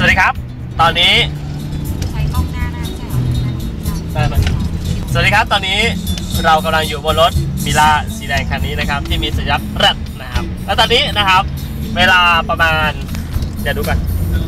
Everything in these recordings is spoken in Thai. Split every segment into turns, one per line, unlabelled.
วัสดีครับตอนนี้
ใช้กล้องหน้าได้ใช่ไหม
สวัสดีครับตอนนี้เรากำลังอยู่บนรถมิล่าสีแดงคันนี้นะครับที่มีสัญลักษณ์รัดนะครับแล้วตอนนี้นะครับเวลาประมาณเดี๋ยวดูกัน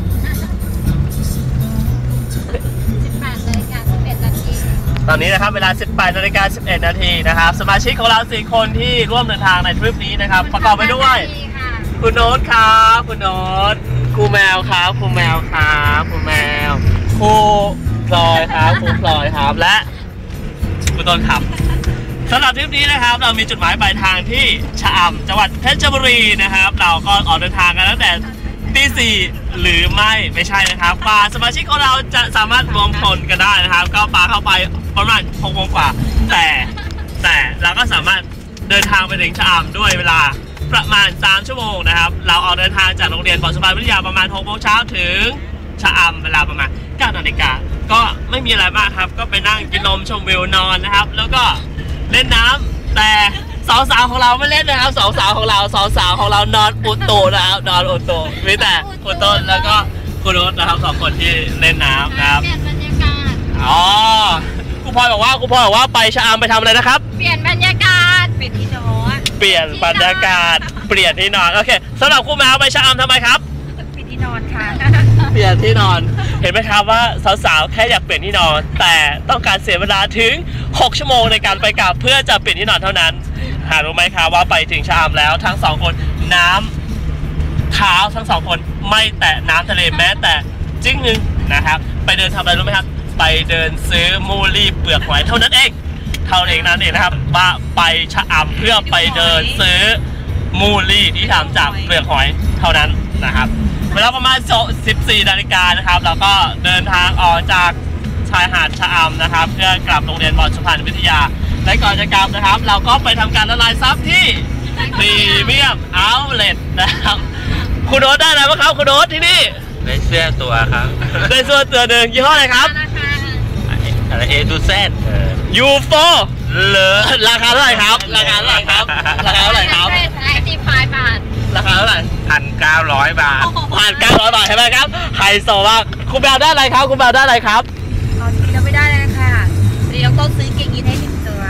ตอนนี้นะครับเวลา 18:11 นาทีนะครับสมาชิกของเรา4คนที่ร่วมเดินทางในทริปนี้นะครับประกอบไปด้วยคุณโน้ตครับคุณโน้ตครูแมวครับครูแมวครับครูแมวครูพลอยครับครูพลอยครับและคุณต้นครับสำหรับทริปนี้นะครับเรามีจุดหมายปลายทางที่ชะอำจังหวัดเพชรบุรีนะครับเราก็ออกเดินทางกันตั้งแต่ตี 4หรือไม่ใช่นะครับป่าสมาชิกของเราจะสามารถรวมพลกันได้นะครับก็ป่าเข้าไปประมาณ6 โมงกว่าแต่เราก็สามารถเดินทางไปถึงชะอำด้วยเวลาประมาณ3 ชั่วโมงนะครับเราออกเดินทางจากโรงเรียนบ่อสะพานวิทยาประมาณ6 โมงเช้าถึงชะอำเวลาประมาณ9 นาฬิกาก็ไม่มีอะไรมากครับก็ไปนั่งกินนมชมวิวนอนนะครับแล้วก็เล่นน้ำแต่สาวของเราไม่เล่นนะครับสาวของเรานอนอุตุนะครับนอนอุตุมีแต่คุณต้นแล้วก็คุณรถนะครับ2 คนที่เล่นน้ำนะครับ
เปลี่ยนบรรยากาศ
ครูพลอยบอกว่าไปชะอำไปทำอะไรนะครับ
เปลี่ยนบรรยากาศเปลี่ยนที่นอน
เปลี่ยนบรรยากาศเปลี่ยนที่นอนโอเคสำหรับครูแมวไปชะอำทำไมครับ
เปลี่ยนที่นอนค่ะ
เปลี่ยนที่นอนเห็นไหมครับว่าสาวๆแค่อยากเปลี่ยนที่นอนแต่ต้องการเสียเวลาถึง6 ชั่วโมงในการไปกลับเพื่อจะเปลี่ยนที่นอนเท่านั้นหารู้ไหมครับว่าไปถึงชะอำแล้วทั้ง2 คนน้ำเท้าทั้ง2 คนไม่แตะน้ำทะเลแม้แต่จิ้งนึงนะครับไปเดินทำอะไรรู้ไหมครับไปเดินซื้อมูลี่เปลือกหอยเท่านั้นเองนั่นเองนะครับว่าไปชะอำเพื่อไปเดินซื้อมูลี่ที่ทำจากเปลือกหอยเท่านั้นนะครับเวลาประมาณ14 นาฬิกานะครับเราก็เดินทางออกจากชายหาดชะอำนะครับเพื่อกลับโรงเรียนบ่อสะพานวิทยาและก่อนจะกลับนะครับเราก็ไปทำการละลายซับที่พรีเมียมเอาท์เลทนะครับคุณโน้ตได้อะไรบ้างครับคุณโน้ตที่นี่
ได้เสื้อตัวครับ
ได้เสื้อตัวหนึ่งยี่ห้ออะไรครับ
อะไรA to Z
U4 เหลือราคาเท่าไหร่ครับราคาเท่าไหร่ครับราคาเท่าไหร่ครับ
55 บาท
ราคาเท่าไหร่
1,900 บาท
1,900 บาทใช่ไหมครับไฮโซมากคุณแบลได้อะไรครับคุณแบลได้อะไรครับ
ตอนนี้เราไม่ได้เลยค่ะเดี๋ยวต้องซื้อเกงยีนให้1 ตัว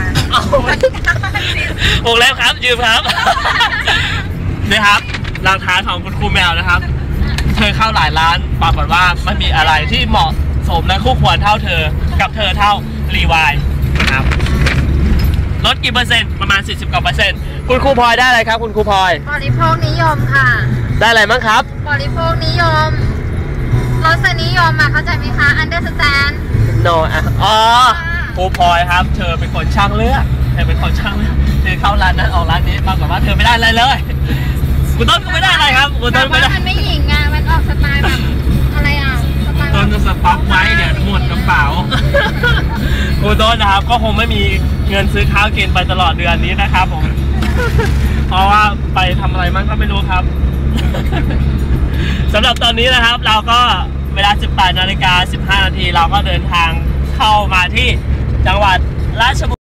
วงเล็บครับยืมครับนี่ครับรางท้ายของคุณครูแมวนะครับเธอเข้าหลายร้านปรากฏว่าไม่มีอะไรที่เหมาะสมและคู่ควรเท่าเธอกับเธอเท่ารีวายนะครับลดกี่เปอร์เซ็นต์ประมาณ40 กว่า%คุณครูพลอยได้อะไรครับคุณครูพลอย
บริโภคนิยมค่ะ
ได้อะไรบ้างครับ
บริโภคนิยมรสนิยมเข้าใจไหมคะ understand
no ครูพลอยครับเธอเป็นคนช่างเลือกเธอเข้าร้านนั้นออกร้านนี้ปรากฏว่าเธอไม่ได้อะไรเลยคุณต้นก็ไม่ได้อะไรครับคุณต้นไม่ได้
มันไม่หญิงมันออกสไตล์แบบอะไรสไตล์
ต้นจะสต็อกไว้เนี่ยหมดกระเป๋า
คุณต้นนะครับก็คงไม่มีเงินซื้อข้าวกินไปตลอดเดือนนี้นะครับผมเพราะว่าไปทำอะไรมั่งก็ไม่รู้ครับสำหรับตอนนี้นะครับเราก็เวลา 18:15 นาทีเราก็เดินทางเข้ามาที่จังหวัดราชบุรี